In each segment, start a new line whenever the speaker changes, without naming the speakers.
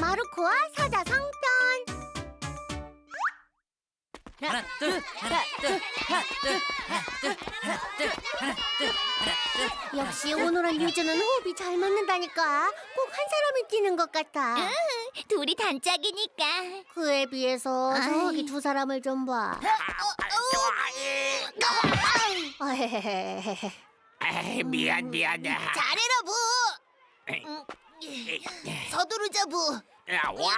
마르코와 사자성편.
하나 둘 하나 둘 하나 둘 하나 둘 하나 둘 하나 둘 하나 둘.
역시 오노랑 유주는 호흡이 잘 맞는다니까. 꼭 한 사람이 뛰는 것 같아.
둘이 단짝이니까.
그에 비해서 저기 두 사람을 좀 봐.
에이, 미안해.
잘해라 부. 서두르자 부.
야, 와.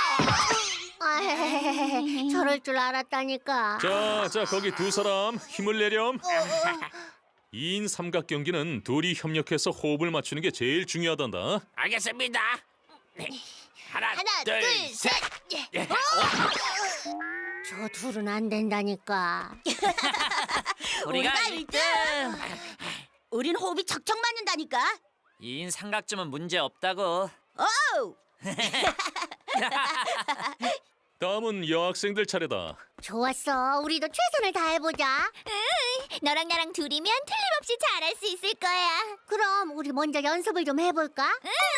저럴 줄 알았다니까.
자, 거기 두 사람 힘을 내렴. 2인 삼각 경기는 둘이 협력해서 호흡을 맞추는 게 제일 중요하단다.
알겠습니다. 하나,
하나,
둘,
둘,
셋.
셋.
저 둘은 안 된다니까.
우리가 1등.
우린 호흡이 척척 맞는다니까.
2인 삼각점은 문제 없다고.
오!
다음은 여학생들 차례다.
좋았어. 우리도 최선을 다해보자.
너랑 나랑 둘이면 틀림없이 잘할 수 있을 거야.
그럼 우리 먼저 연습을 좀 해볼까?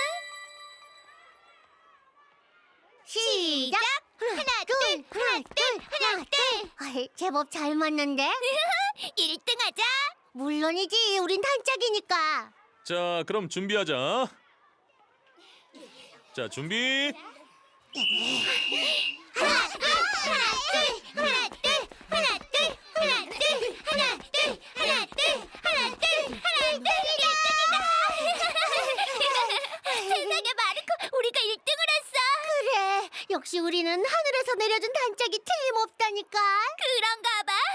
시작!
하나, 둘, 하나, 둘, 하나, 둘.
아이, 제법 잘 맞는데?
1등 하자.
물론이지. 우린 단짝이니까.
자, 그럼 준비하자. 자, 준비.
하나, 둘, 하나, 둘, 하나, 둘, 하나, 둘, 하나, 둘, 하나, 둘, 하나, 둘, 하나, 둘. 1등이다. 세상에 마르코, 우리가 1등을 했어.
그래. 역시 우리는 하늘에서 내려준 단짝이 틀림없다니까.
그런가 봐.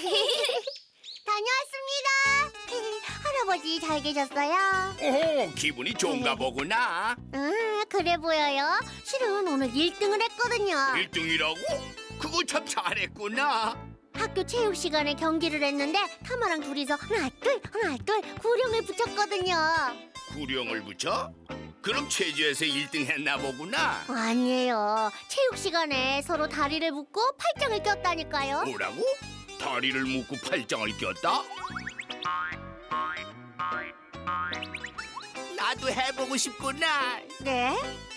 다녀왔습니다. 할아버지 잘 계셨어요?
오, 기분이 좋은가 보구나.
그래 보여요. 실은 오늘 1등을 했거든요.
1등이라고? 그거 참 잘했구나.
학교 체육 시간에 경기를 했는데 타마랑 둘이서 하나 둘 구령을 붙였거든요.
구령을 붙여? 그럼 체조에서 1등 했나 보구나.
아니에요. 체육 시간에 서로 다리를 묶고 팔짱을 꼈다니까요.
뭐라고? 다리를 묶고 팔짱을 꼈다? 나도 해보고 싶구나.
네?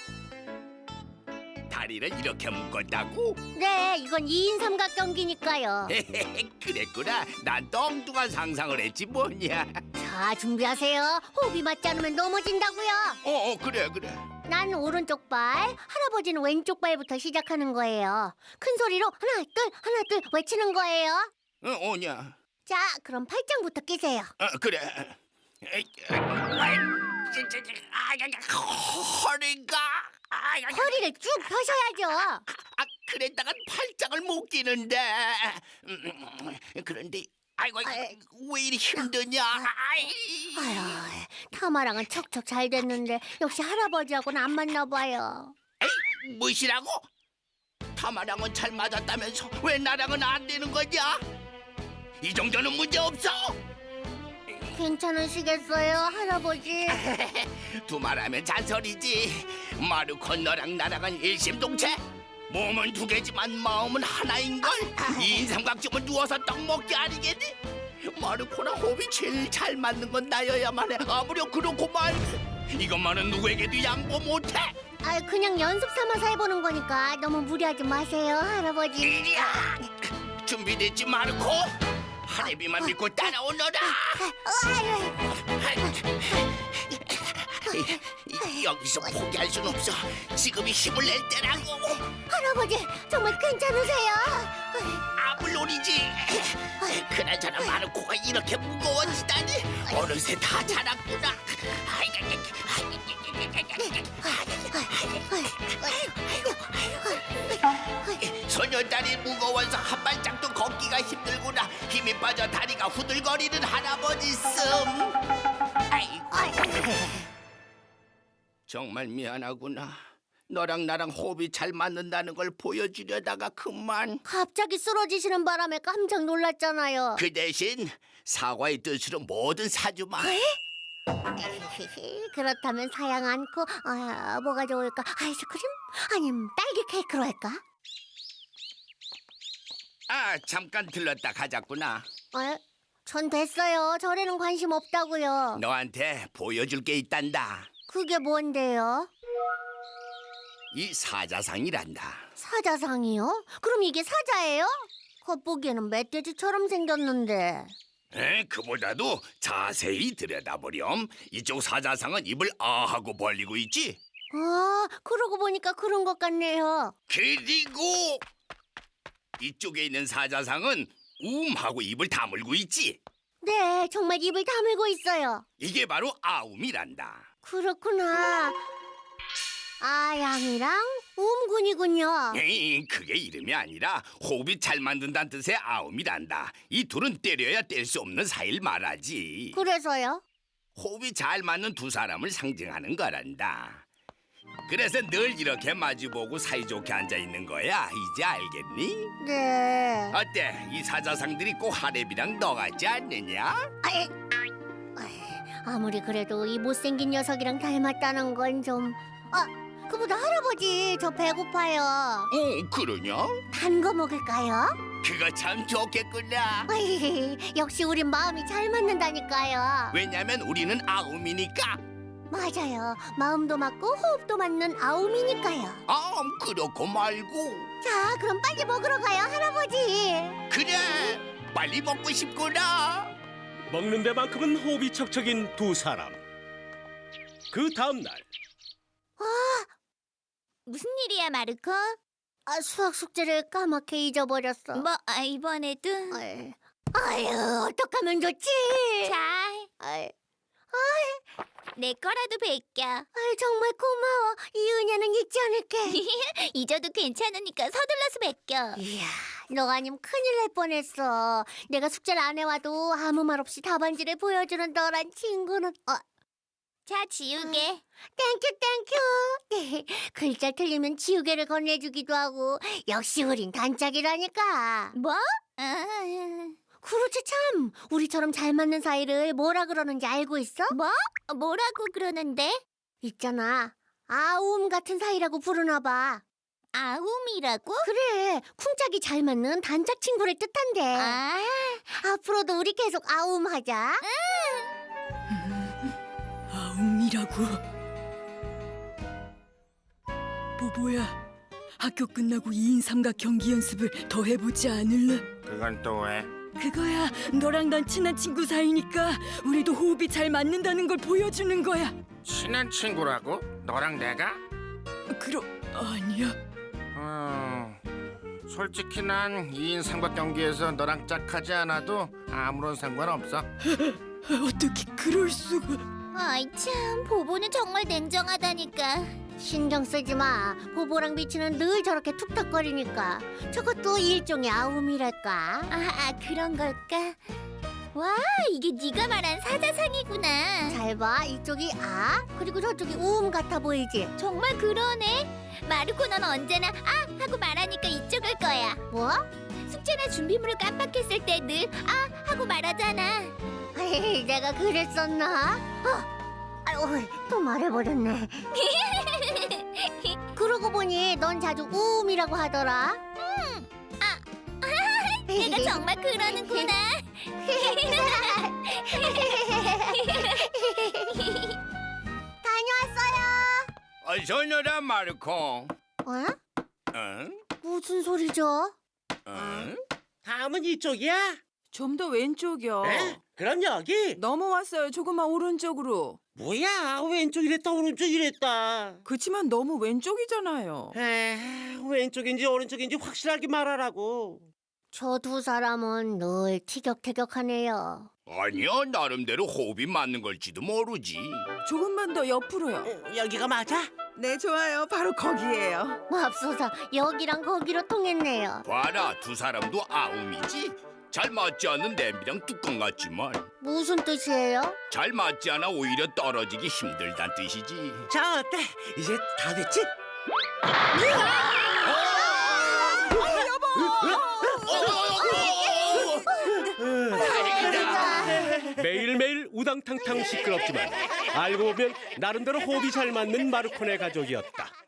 다리를 이렇게 묶었다고?
네, 이건 2인 삼각 경기니까요.
그랬구나. 난 엉뚱한 상상을 했지 뭐냐.
자, 준비하세요. 호흡이 맞지 않으면 넘어진다고요.
그래.
난 오른쪽 발, 할아버지는 왼쪽 발부터 시작하는 거예요. 큰 소리로 하나 둘 외치는 거예요.
오냐.
자, 그럼 팔짱부터 끼세요.
그래. 허리가.
허리를 쭉 펴셔야죠.
그랬다간 팔짱을 못 끼는데. 그런데 아이고 왜 이리 힘드냐.
아휴, 타마랑은 척척 잘 됐는데 역시 할아버지하고는 안 맞나 봐요.
에이, 무엇이라고? 타마랑은 잘 맞았다면서 왜 나랑은 안 되는 거냐? 이 정도는 문제 없어.
괜찮으시겠어요, 할아버지?
두말하면 잔소리지. 마르코 너랑 나랑은 일심동체. 몸은 두 개지만 마음은 하나인걸. 이인 삼각점은 누워서 떡 먹기 아니겠니? 마르코랑 호흡이 제일 잘 맞는 건 나여야만 해. 아무렴 그렇고 말. 이것만은 누구에게도 양보 못해.
그냥 연습 삼아서 해보는 거니까 너무 무리하지 마세요, 할아버지.
이리야. 준비됐지 마르코? 하레비만 믿고 따라오너라. 여기서 포기할 순 없어. 지금이 힘을 낼 때라고.
할아버지, 정말 괜찮으세요?
물론이지. 그나저나 마르코가 이렇게 무거워지다니. 어느새 다 자랐구나. 소녀다리 무거워서 한 발짝도 걷기가 힘들구나. 힘이 빠져 다리가 후들거리는 할아버지 씀. 아이고. 정말 미안하구나. 너랑 나랑 호흡이 잘 맞는다는 걸 보여주려다가 그만.
갑자기 쓰러지시는 바람에 깜짝 놀랐잖아요.
그 대신 사과의 뜻으로 뭐든 사주마.
그렇다면 사양 않고 뭐가 좋을까? 아이스크림? 아니면 딸기 케이크로 할까?
잠깐 들렀다 가자꾸나.
전 됐어요. 절에는 관심 없다고요.
너한테 보여줄 게 있단다.
그게 뭔데요?
이 사자상이란다.
사자상이요? 그럼 이게 사자예요? 겉보기에는 멧돼지처럼 생겼는데.
그보다도 자세히 들여다보렴. 이쪽 사자상은 입을 아 하고 벌리고 있지.
아, 그러고 보니까 그런 것 같네요.
그리고 이쪽에 있는 사자상은 하고 입을 다물고 있지.
네, 정말 입을 다물고 있어요.
이게 바로 아움이란다.
그렇구나. 아양이랑 움군이군요.
그게 이름이 아니라 호흡이 잘 만든다는 뜻의 아움이란다. 이 둘은 때려야 뗄 수 없는 사이를 말하지.
그래서요?
호흡이 잘 맞는 두 사람을 상징하는 거란다. 그래서 늘 이렇게 마주보고 사이좋게 앉아 있는 거야. 이제 알겠니?
네.
어때? 이 사자상들이 꼭 하렘이랑 너 같지 않느냐?
아이, 아무리 그래도 이 못생긴 녀석이랑 닮았다는 건 좀... 그보다 할아버지, 저 배고파요.
그러냐?
단 거 먹을까요?
그거 참 좋겠구나.
역시 우린 마음이 잘 맞는다니까요.
왜냐면 우리는 아움이니까.
맞아요. 마음도 맞고 호흡도 맞는 아움이니까요.
그렇고 말고.
자, 그럼 빨리 먹으러 가요, 할아버지.
그래, 빨리 먹고 싶구나.
먹는 데만큼은 호흡이 척척인 두 사람. 그 다음 날
무슨 일이야, 마르코?
수학 숙제를 까맣게 잊어버렸어.
뭐 이번에도
아유, 어떡하면 좋지?
자,
아이,
내 거라도 베껴.
정말 고마워. 이 은혜는 잊지 않을게.
잊어도 괜찮으니까 서둘러서 베껴.
이야, 너 아니면 큰일 날 뻔했어. 내가 숙제를 안 해와도 아무 말 없이 답안지를 보여주는 너란 친구는...
자, 지우개.
땡큐. 글자 틀리면 지우개를 건네주기도 하고. 역시 우린 단짝이라니까.
뭐?
그렇지 참. 우리처럼 잘 맞는 사이를 뭐라 그러는지 알고 있어?
뭐? 뭐라고 그러는데?
있잖아. 아움 같은 사이라고 부르나 봐.
아움이라고?
그래. 쿵짝이 잘 맞는 단짝 친구를 뜻한대. 앞으로도 우리 계속 아움하자.
아움이라고. 보보야, 학교 끝나고 2인 삼각 경기 연습을 더 해보지 않을래?
그건 또 왜?
그거야, 너랑 난 친한 친구 사이니까 우리도 호흡이 잘 맞는다는 걸 보여주는 거야.
친한 친구라고? 너랑 내가?
아니야.
솔직히 난 2인 삼각 경기에서 너랑 짝하지 않아도 아무런 상관없어.
어떻게 그럴 수가?
아이 참, 보보는 정말 냉정하다니까.
신경 쓰지 마. 보보랑 비치는 늘 저렇게 툭탁거리니까. 저것도 일종의 아움이랄까.
그런 걸까? 와, 이게 네가 말한 사자상이구나.
잘 봐. 이쪽이 아, 그리고 저쪽이 움 같아 보이지?
정말 그러네. 마르코 넌 언제나 하고 말하니까 이쪽일 거야.
뭐?
숙제나 준비물을 깜빡했을 때 늘 하고 말하잖아.
내가 그랬었나? 아유, 또 말해버렸네. 그러고 보니 넌 자주 우음이라고 하더라.
내가 정말 그러는구나.
다녀왔어요.
어서 오너라 마르코.
어? 무슨 소리죠?
다음은 이쪽이야?
좀 더 왼쪽이요.
에? 그럼 여기?
넘어왔어요. 조금만 오른쪽으로.
뭐야, 왼쪽 이랬다 오른쪽 이랬다.
그치만 너무 왼쪽이잖아요.
왼쪽인지 오른쪽인지 확실하게 말하라고.
저 두 사람은 늘 티격태격하네요.
아니야, 나름대로 호흡이 맞는 걸지도 모르지.
조금만 더 옆으로요.
여기가 맞아?
네, 좋아요. 바로 거기예요.
맙소사, 여기랑 거기로 통했네요.
봐라, 두 사람도 아움이지. 잘 맞지 않는 냄비랑 뚜껑 같지만
무슨 뜻이에요?
잘 맞지 않아 오히려 떨어지기 힘들단 뜻이지.
자, 어때? 이제 다 됐지?
매일매일 우당탕탕 시끄럽지만 알고 보면 나름대로 호흡이 잘 맞는 마르코네 가족이었다.